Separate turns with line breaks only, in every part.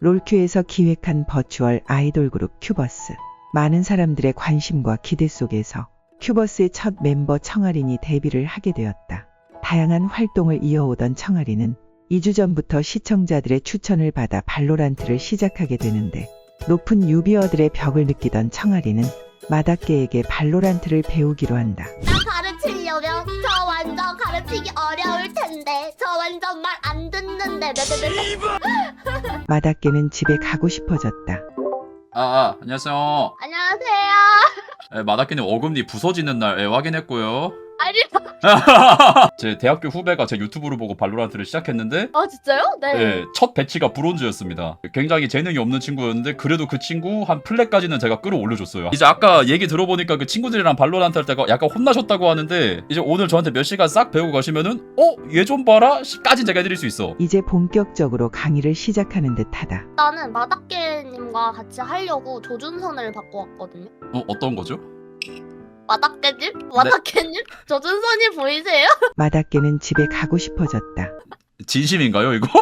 롤큐에서 기획한 버추얼 아이돌 그룹 큐버스. 많은 사람들의 관심과 기대 속에서 큐버스의 첫 멤버 청아린이 데뷔를 하게 되었다. 다양한 활동을 이어오던 청아린은 2주 전부터 시청자들의 추천을 받아 발로란트를 시작하게 되는데, 높은 유비어들의 벽을 느끼던 청아린은 마다케에게 발로란트를 배우기로 한다.
나 가르치려면 저 완전 가르치기 어려울 텐데 저 완전 말 안 듣는데
마다케는 집에 가고 싶어졌다.
안녕하세요.
안녕하세요.
마다키님 어금니 부서지는 날 확인했고요.
아니
제 대학교 후배가 제 유튜브를 보고 발로란트를 시작했는데
진짜요? 네.
첫 배치가 브론즈였습니다. 굉장히 재능이 없는 친구였는데 그래도 그 친구 한 플랫까지는 제가 끌어올려줬어요. 이제 아까 얘기 들어보니까 그 친구들이랑 발로란트 할 때가 약간 혼나셨다고 하는데, 이제 오늘 저한테 몇 시간 싹 배우고 가시면은 얘 좀 봐라 까진 제가 해드릴 수 있어.
이제 본격적으로 강의를 시작하는 듯하다.
나는 마다케님과 같이 하려고 조준선을 받고 왔거든요.
어떤 거죠?
마다케님? 마다케님? 조준선이 보이세요?
마다케는 집에 가고 싶어졌다.
진심인가요 이거?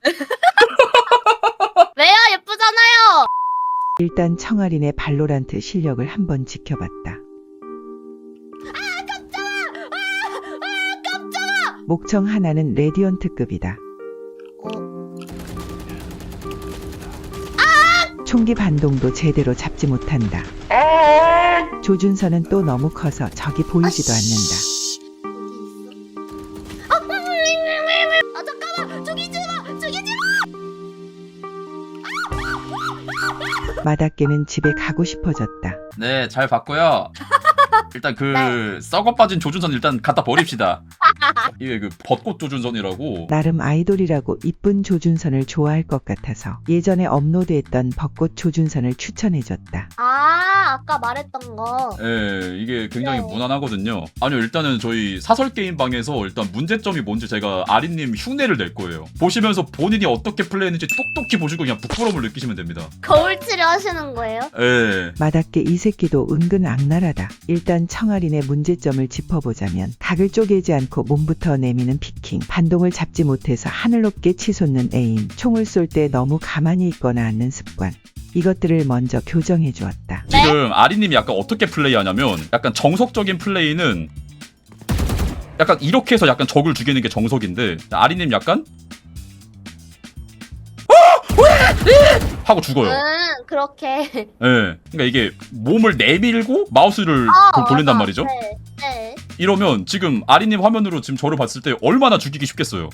왜요? 예쁘잖아요.
일단 청아린의 발로란트 실력을 한번 지켜봤다. 목청 하나는 레디언트급이다. 총기 반동도 제대로 잡지 못한다. 조준선은 또 너무 커서 적이 보이지도 않는다.
잠깐만, 죽이지 마.
마다케는 집에 가고 싶어졌다.
네, 잘 봤고요. 일단 그 썩어 빠진 조준선 일단 갖다 버립시다. 이게 그 벚꽃 조준선이라고.
나름 아이돌이라고 이쁜 조준선을 좋아할 것 같아서 예전에 업로드했던 벚꽃 조준선을 추천해줬다.
아까 말했던 거.
예, 이게 굉장히
네.
무난하거든요. 아니요, 일단은 저희 사설 게임 방에서 일단 문제점이 뭔지 제가 아린님 흉내를 낼 거예요. 보시면서 본인이 어떻게 플레이했는지 똑똑히 보시고 그냥 부끄러움을 느끼시면 됩니다.
거울 치료 하시는 거예요?
예.
마다케 이 새끼도 은근 악랄하다. 일단 청아린의 문제점을 짚어보자면 각을 쪼개지 않고 몸부터 내미는 피킹, 반동을 잡지 못해서 하늘 높게 치솟는 에임, 총을 쏠 때 너무 가만히 있거나 앉는 습관, 이것들을 먼저 교정해 주었다.
지금 아린님이 약간 어떻게 플레이하냐면, 약간 정석적인 플레이는 약간 이렇게 해서 약간 적을 죽이는 게 정석인데, 아린님 약간 하고 죽어요.
그렇게.
예. 그러니까 이게 몸을 내밀고 마우스를 돌린단 말이죠.
네. 네.
이러면 지금 아리님 화면으로 지금 저를 봤을 때 얼마나 죽이기 쉽겠어요.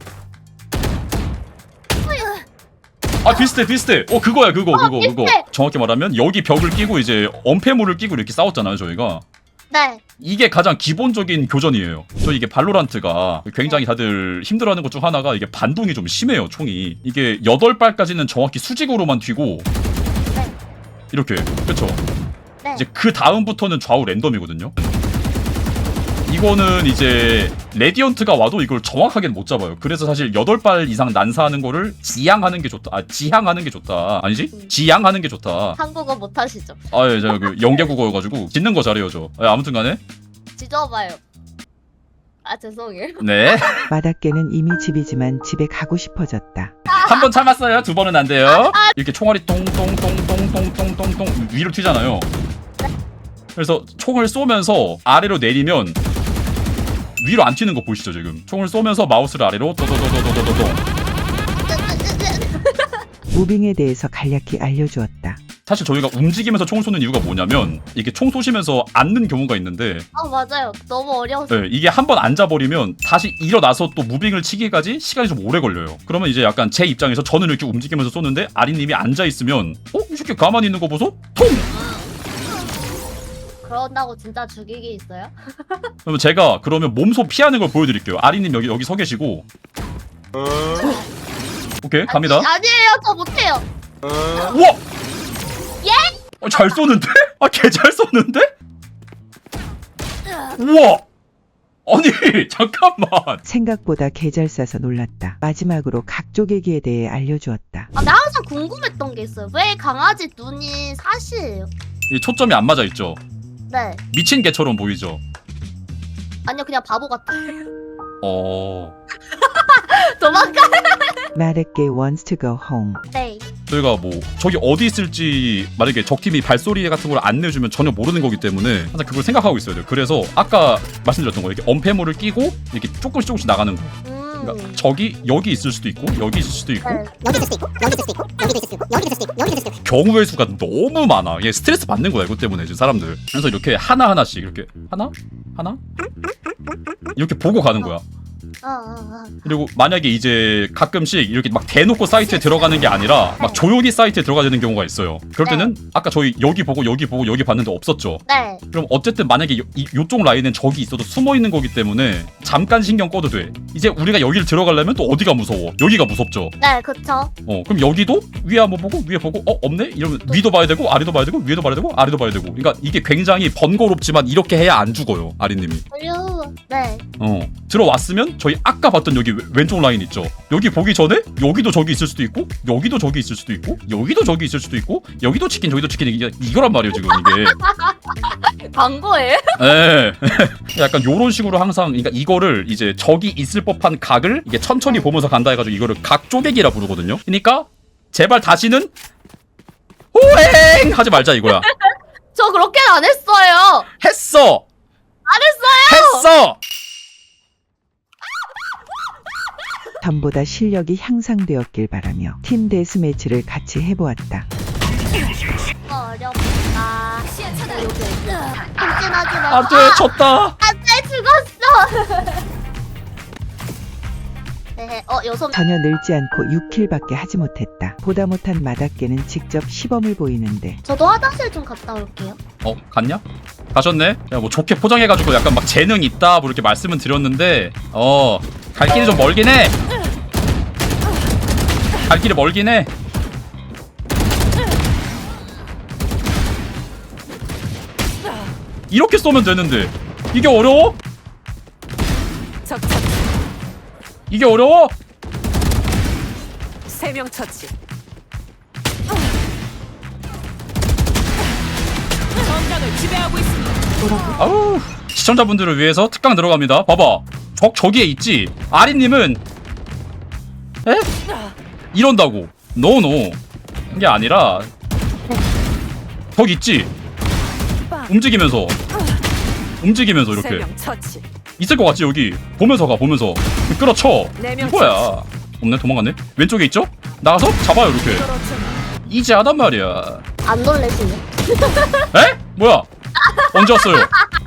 비슷해. 그거야, 그거.
비슷해.
정확히 말하면 여기 벽을 끼고 이제 엄폐물을 끼고 이렇게 싸웠잖아요, 저희가.
네.
이게 가장 기본적인 교전이에요. 저 이게 발로란트가 굉장히 다들 힘들어하는 것 중 하나가 이게 반동이 좀 심해요, 총이. 이게 8발까지는 정확히 수직으로만 튀고
네.
이렇게. 그쵸?
네.
이제 그 다음부터는 좌우 랜덤이거든요. 이거는 이제 레디언트가 와도 이걸 정확하게는 못 잡아요. 그래서 사실 8발 이상 난사하는 거를 지향하는 게 좋다. 지향하는 게 좋다. 아니지? 지향하는 게 좋다.
한국어 못 하시죠?
예, 제가 그 영계국어여가지고 짓는 거 잘해요, 저. 아무튼 간에.
지져봐요. 죄송해요.
네.
마다케는 이미 집이지만 집에 가고 싶어졌다.
한 번 참았어요. 2번은 안 돼요. 이렇게 총알이 똥똥똥똥똥똥똥똥 위로 튀잖아요. 그래서 총을 쏘면서 아래로 내리면 위로 안 튀는 거 보이시죠, 지금? 총을 쏘면서 마우스를 아래로 도도도도도도도.
무빙에 대해서 간략히 알려주었다.
사실 저희가 움직이면서 총을 쏘는 이유가 뭐냐면, 이게 총 쏘시면서 앉는 경우가 있는데,
맞아요. 너무 어려워서.
네, 이게 한 번 앉아버리면 다시 일어나서 또 무빙을 치기까지 시간이 좀 오래 걸려요. 그러면 이제 약간 제 입장에서 저는 이렇게 움직이면서 쏘는데 아리님이 앉아있으면 이 새끼 가만히 있는 거 보소? 통!
그런다고 진짜 죽이기 있어요?
그러면 제가 그러면 몸소 피하는 걸 보여드릴게요. 아리님 여기 서 계시고. 오케이, 갑니다.
아니에요. 저 못해요.
우와! 예? 잘 쏘는데? 개 잘 쏘는데? 우와! 아니, 잠깐만.
생각보다 개 잘 쏴서 놀랐다. 마지막으로 각 쪼개기에 대해 알려주었다.
나 항상 궁금했던 게 있어요. 왜 강아지 눈이 사시예요?
이 초점이 안 맞아 있죠?
네.
미친 개처럼 보이죠?
아니요, 그냥 바보 같아요.
어...
도망가.
마다케 wants to go home.
네.
저희가 뭐 저기 어디 있을지 만약에 적팀이 발소리 같은 걸 안 내주면 전혀 모르는 거기 때문에 항상 그걸 생각하고 있어야 돼요. 그래서 아까 말씀드렸던 거 이렇게 엄폐물을 끼고 이렇게 조금씩 나가는 거. 그러니까 적이 여기 있을 수도 있고 여기 있을 수도 있고
여기 있을 수도 있고 여기도 있을 수도 있고 여기도 있을 수도 있고 여기도 있을 수도 있고 여기도 있을 수도 있고
경우의 수가 너무 많아. 얘 스트레스 받는 거야 이것 때문에 지금 사람들. 그래서 이렇게 하나하나씩 이렇게 하나 이렇게 보고 가는 거야. 그리고 만약에 이제 가끔씩 이렇게 막 대놓고 사이트에 들어가는 게 아니라 막 조용히 사이트에 들어가야 되는 경우가 있어요. 그럴 때는 아까 저희 여기 보고 여기 봤는데 없었죠.
네.
그럼 어쨌든 만약에 요쪽 라인엔 적이 있어도 숨어 있는 거기 때문에 잠깐 신경 꺼도 돼. 이제 우리가 여기를 들어가려면 또 어디가 무서워? 여기가 무섭죠.
네, 그쵸.
그럼 여기도 위에 한번 보고 위에 보고 없네? 이러면 위도 봐야 되고 아래도 봐야 되고 위에도 봐야 되고 아래도 봐야 되고. 그러니까 이게 굉장히 번거롭지만 이렇게 해야 안 죽어요, 아리님이.
네.
들어왔으면 저희 아까 봤던 여기 왼쪽 라인 있죠. 여기 보기 전에 여기도 저기 있을 수도 있고 여기도 저기 있을 수도 있고 여기도 저기 있을 수도 있고 여기도 치킨 저기도 치킨 이거란 말이에요 지금 이게.
광고예요?
네. 약간 요런 식으로 항상 그러니까 이거를 이제 적이 있을 법한 각을 이게 천천히 보면서 간다 해가지고 이거를 각 쪼개기라 부르거든요. 그러니까 제발 다시는 호행 하지 말자 이거야.
저 그렇게는 안 했어요.
했어.
안 했어요.
했어.
전보다 실력이 향상되었길 바라며 팀 데스매치를 같이 해보았다.
어렵다. 한진하지 마.
안돼 졌다.
안돼 죽었어. 네, 여섯.
전혀 늘지 않고 6킬밖에 하지 못했다. 보다 못한 마닥개는 직접 시범을 보이는데
저도 화장실 좀 갔다 올게요.
갔냐? 가셨네? 야, 뭐 좋게 포장해가지고 약간 막 재능 있다 뭐 이렇게 말씀은 드렸는데 갈 길이 좀 멀긴 해. 갈 길이 멀긴 해. 이렇게 쏘면 되는데 이게 어려워? 이게 어려워?
3명 처치. 전장을 지배하고 있습니다.
아우 시청자분들을 위해서 특강 들어갑니다. 봐봐 저기에 있지. 아리님은 에? 이런다고 노노 이게 아니라 저기 있지. 움직이면서 이렇게
3명 처치.
있을 것 같지. 여기 보면서 가 보면서 끌어쳐.
4명
이거야. 없네 도망갔네. 왼쪽에 있죠? 나가서 잡아요 이렇게. 이제 하단 말이야.
안 놀래시네.
에? 뭐야? 언제 왔어요?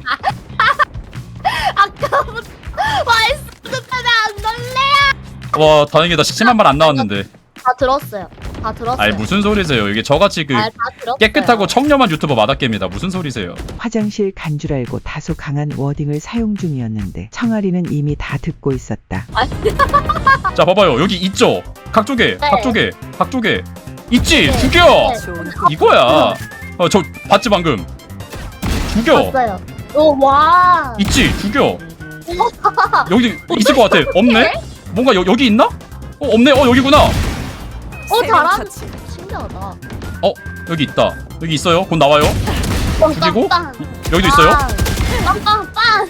아까부터 말씀도 때문에 안 놀래요.
와 다행이다. 심한 말 안 나왔는데.
다 들었어요. 다 들었어요.
아니 무슨 소리세요? 이게 저같이
다 들었어요.
깨끗하고 청렴한 유튜버 마닥개입니다. 무슨 소리세요?
화장실 간 줄 알고 다소 강한 워딩을 사용 중이었는데 청아리는 이미 다 듣고 있었다.
자 봐봐요. 여기 있죠? 각 쪽에 각 쪽에 있지? 죽여!
좋은
이거야. 저 봤지 방금? 죽여!
봤어요. 와.
있지? 죽여! 여기 있을 것 같아. 없네? 뭔가 여기 있나? 없네? 여기구나!
잘한.
처치.
신기하다.
여기 있다. 여기 있어요. 곧 나와요. 그리고
빵빵.
여기도 있어요.
빵빵빵.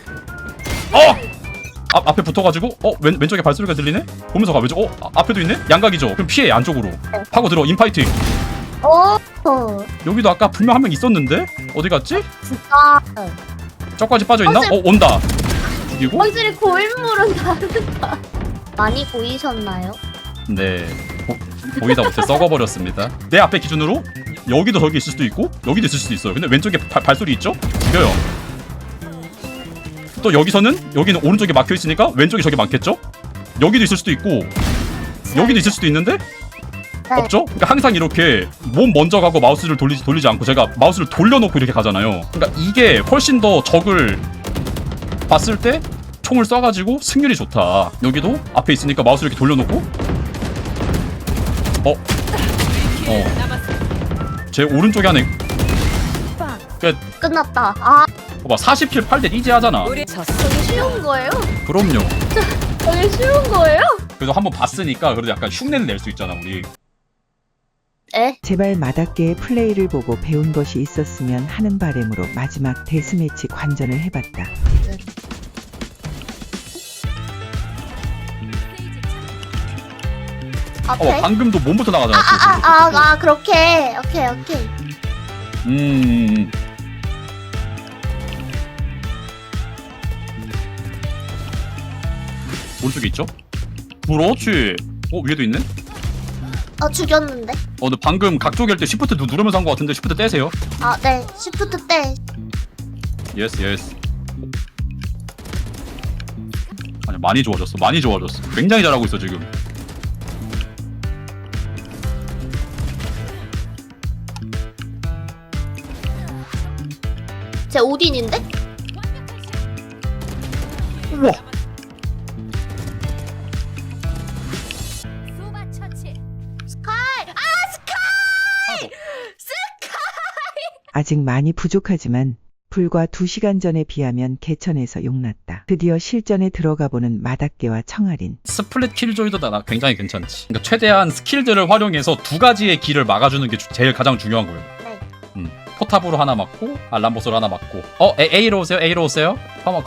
앞에 붙어가지고 왼쪽에 발소리가 들리네? 보면서 가. 왼쪽 앞에도 있네? 양각이죠? 그럼 피해 안쪽으로 파고 들어. 인파이팅.
오.
여기도 아까 분명 한 명 있었는데? 어디 갔지?
진짜.
저까지 빠져있나? 온다. 죽이고.
확실히 고인물은 다르다. 많이 보이셨나요?
네 보이다 못해 썩어버렸습니다. 내 앞에 기준으로 여기도 저기 있을 수도 있고 여기도 있을 수도 있어요. 근데 왼쪽에 발소리 있죠? 죽여요. 또 여기는 오른쪽에 막혀있으니까 왼쪽에 저기 많겠죠? 여기도 있을 수도 있고 여기도 있을 수도 있는데 없죠? 그러니까 항상 이렇게 몸 먼저 가고 마우스를 돌리지 않고 제가 마우스를 돌려놓고 이렇게 가잖아요. 그러니까 이게 훨씬 더 적을 봤을 때 총을 쏴가지고 승률이 좋다. 여기도 앞에 있으니까 마우스를 이렇게 돌려놓고 제 오른쪽에 하나
끝났다.
봐봐 40킬 8대 이제 하잖아.
우리 졌어.
되게 쉬운 거예요?
그럼요.
되게 쉬운 거예요?
그래도 한번 봤으니까 그래도 약간 흉내를 낼 수 있잖아 우리.
제발 마닥개의 플레이를 보고 배운 것이 있었으면 하는 바람으로 마지막 데스매치 관전을 해봤다.
오케이.
방금도 몸부터 나가잖아.
그렇게. 오케이.
오른쪽에 있죠? 그렇지. 위에도 있네?
죽였는데.
근데 방금 각쪽일 때 시프트 누르면서 한 것 같은데 시프트 떼세요.
네. 시프트 때.
예스. 아니 많이 좋아졌어. 굉장히 잘하고 있어 지금.
제 오딘인데?
우와.
아직 많이 부족하지만 불과 2시간 전에 비하면 개천에서 용났다. 드디어 실전에 들어가 보는 마닥개와 청아린.
스플릿 킬조이도 나 굉장히 괜찮지. 그러니까 최대한 스킬들을 활용해서 두 가지의 길을 막아주는 게 제일 가장 중요한 거예요.
네.
포탑으로 하나 맞고 알람보스로 하나 맞고. A로 오세요. 컴온.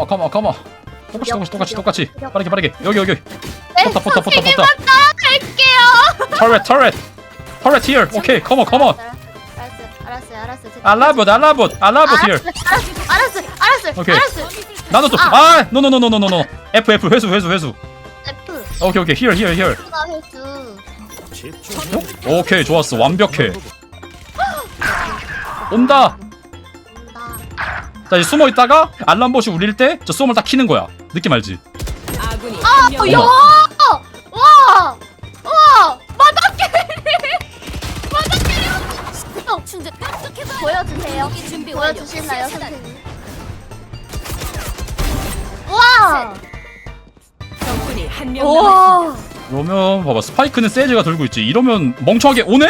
똑같이. 빠르게. 여기.
네,
포탑.
선생님만 따라갈게요.
터렛 here. 오케이, 컴온.
알았어요.
알라봇 here.
알았어.
오케이. 나눴어. 노. F 회수.
F.
오케이. here.
F가 회수.
오케이, 좋았어. 완벽해. 온다. 자, 이제 숨어 있다가 알람봇이 울릴 때 저 쏘을 딱 키는 거야. 느낌 알지?
아군이 한명
야! 와! 보여주세요. 보여주시나요, 선생님? 와!
적군이 한명 남았습니다.
그러면 봐봐, 스파이크는 세즈가 들고 있지. 이러면 멍청하게 오네?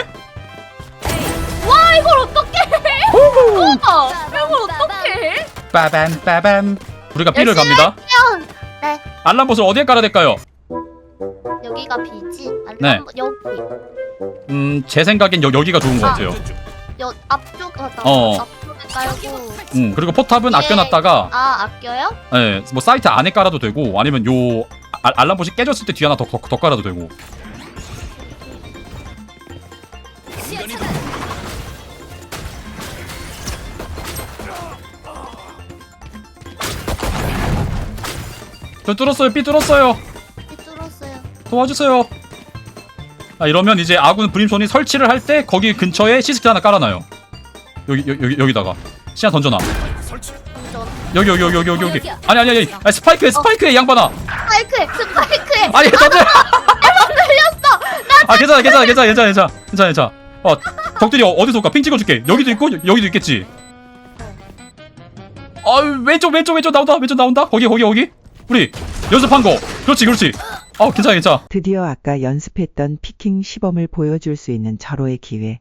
와, 이걸 어떻게 해? 이걸 어떻게 해?
빠밤. 우리가 B를
열심히
갑니다.
네.
알람봇을 어디에 깔아야 될까요?
여기가 B지?
네.
여기.
제 생각엔 여기가 좋은 것 같아요.
앞쪽 앞쪽에 깔고.
그리고 포탑은
예.
아껴놨다가
아껴요?
네, 뭐 사이트 안에 깔아도 되고 아니면 요 알람봇이 깨졌을 때 뒤에 하나 더 깔아도 되고. 저 뚫었어요. B 뚫었어요.
뚫었어요.
도와주세요. 이러면 이제 아군 브림손이 설치를 할 때 거기 근처에 시스템 하나 깔아놔요. 여기다가 시야 던져놔. 여기. 아니. 스파이크에 양반아.
스파이크에.
아니 던져.
날렸어.
괜찮아. 적들이 어디서 올까? 핑 찍어줄게. 여기도 있고 여기도 있겠지. 왼쪽 나온다. 거기. 우리 연습한 거. 그렇지. 괜찮아.
드디어 아까 연습했던 피킹 시범을 보여줄 수 있는 절호의 기회.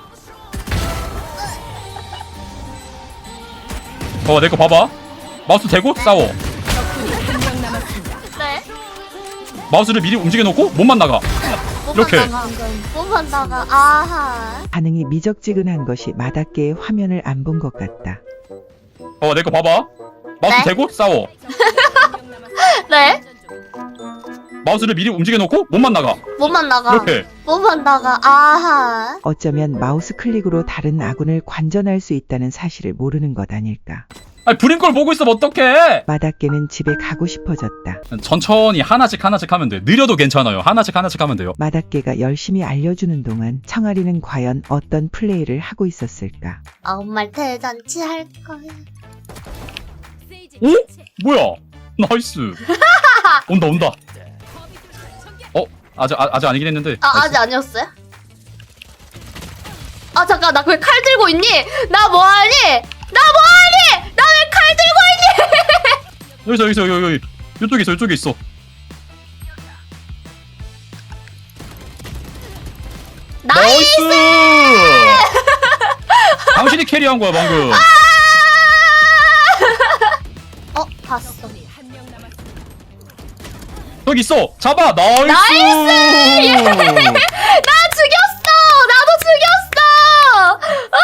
내 거 봐봐. 마우스 대고 싸워.
적군이 한명 남았습니다.
네.
마우스를 미리 움직여놓고 몸만 나가. 이렇게.
몸만 나가. 아하.
반응이 미적지근한 것이 마닥개의 화면을 안 본 것 같다.
내 거 봐봐. 마우스
네?
대고 싸워.
네.
마우스를 미리 움직여놓고 몸만 나가.
몸만 나가.
이렇게.
몸만 나가. 아하.
어쩌면 마우스 클릭으로 다른 아군을 관전할 수 있다는 사실을 모르는 것 아닐까.
브림 걸 보고 있으면 어떡해.
마닥개는 집에 가고 싶어졌다.
천천히 하나씩 하면 돼. 느려도 괜찮아요. 하나씩 하면 돼요.
마닥개가 열심히 알려주는 동안 청아리는 과연 어떤 플레이를 하고 있었을까.
정말 대잔치 할 거야.
오? 뭐야? 나이스. 온다. 아직 아니긴 했는데.
아직 아니었어요? 잠깐, 나 왜 칼 들고 있니? 나 뭐하니? 나 왜 칼 들고 있니?
여기. 이쪽에 있어.
나이스!
당신이 캐리한 거야 방금.
봤어.
한명 남았습니다.
여기 있어. 잡아. 나이스.
나 죽였어! 나도 죽였어!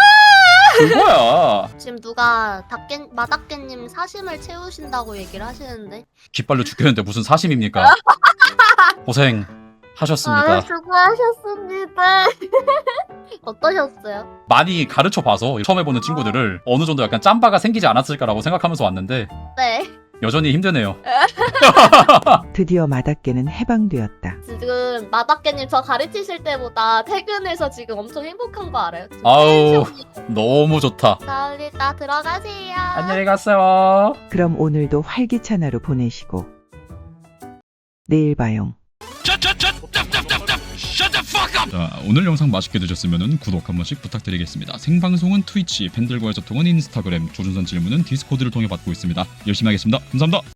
그거야.
지금 누가 마닥개님 사심을 채우신다고 얘기를 하시는데.
깃발로 죽겠는데 무슨 사심입니까? 고생 하셨습니다.
수고하셨습니다. 어떠셨어요?
많이 가르쳐 봐서 처음 해보는 친구들을 어느 정도 약간 짬바가 생기지 않았을까라고 생각하면서 왔는데
네.
여전히 힘드네요.
드디어 마다깨는 해방되었다.
지금 마다깨님 저 가르치실 때보다 퇴근해서 지금 엄청 행복한 거 알아요? 지금
아우
텐션이-
너무 좋다.
자, 우리 다 들어가세요.
안녕히 가세요.
그럼 오늘도 활기찬 하루 보내시고 내일 봐용.
자, 오늘 영상 맛있게 드셨으면 구독 한 번씩 부탁드리겠습니다. 생방송은 트위치, 팬들과의 소통은 인스타그램, 조준선 질문은 디스코드를 통해 받고 있습니다. 열심히 하겠습니다. 감사합니다.